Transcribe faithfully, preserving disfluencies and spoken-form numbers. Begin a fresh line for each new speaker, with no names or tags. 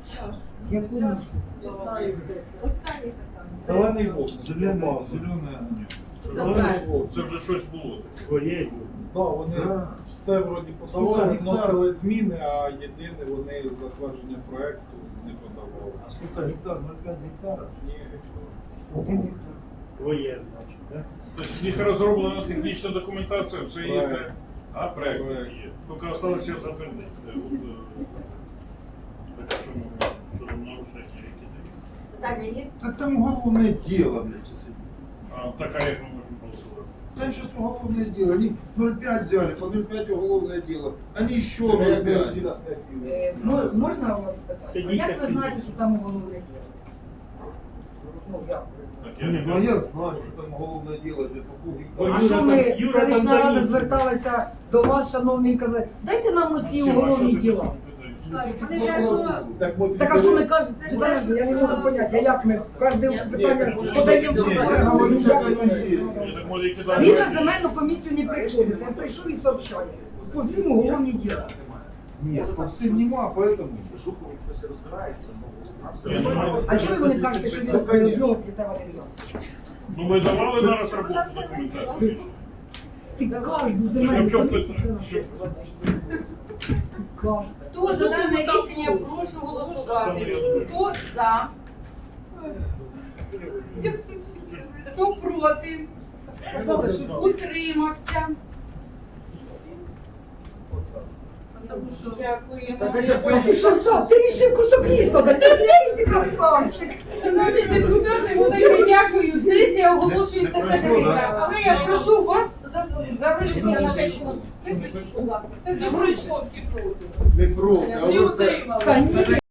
Яку нашу?
Зелений вовк.
Зелений, зелений
Зелений
вовк. Це вже щось було.
Своєю.
Да, вони
Да.
все вроді подавали, вносили зміни, а єдине вони затвердження проекту не подавали.
А скільки гектар? ноль п'ять гектарів?
Ні,
Один гектар.
Твоє, значить, так?
Тобто в них розроблена технічна документація, все є.
Проект.
А, проект
Проект.
є. Тільки залишилося затвердити. Це от, е, таке, що ми- що там нарушення які такі.
Питання є?
Та там головне діло, блядь, це сидить.
А така, як ми можемо голосувати.
Там сейчас уголовное дело. Они ноль пять взяли, по ноль пять уголовное дело. Они еще ноль пять.
Е, мо- Можна у вас спитати? А
Сидіть,
як ви
сидіть.
знаєте, що там уголовне діло? Ну, як ви знаєте?
Так,
Не,
я-
ну а я знаю, что там уголовное дело, где по
Бо
полгектара.
А
Юра
що
там-
ми,
Юра там
селищна рада
замітив.
зверталася до вас, шановні, і казали, дайте нам усі
Чим, а
уголовні
що ти
діла.
питаєш?
Вони кажуть, що
Так, от
Так а що ми кажемо? Подожди, я не можу поняти, а як ми кожне питання подаємо?
Ні, я говорю, що
Як
це
це?
не є.
Я так можу і кидати.
Він на земельну комісію не приходить, він прийшов і сообщає. По всім уголовні діла.
Нет, по всем нема, поэтому.
А чого ви не кажете, що він в нього піддавали мільйон?
Ну ми давали на розробку документацію.
Ти кожну
Так, а
земельну
в чому
комісію
питання?
це
Що?
кожну.
хто за дане рішення, прошу голосувати. Хто за? Хто проти? Утримався. Дякую.
Ти що, що? Ти рішив кусок лісу, да ти злий, ти красавчик.
Шановні депутати, велике дякую. Сесія оголошується закрита. Але я прошу вас за- залишитися на п'ять хвилин. Виключіть, будь ласка. Це не пройшло всі проти.
не проти, а
Всі
ви-
утримали.
Та ні.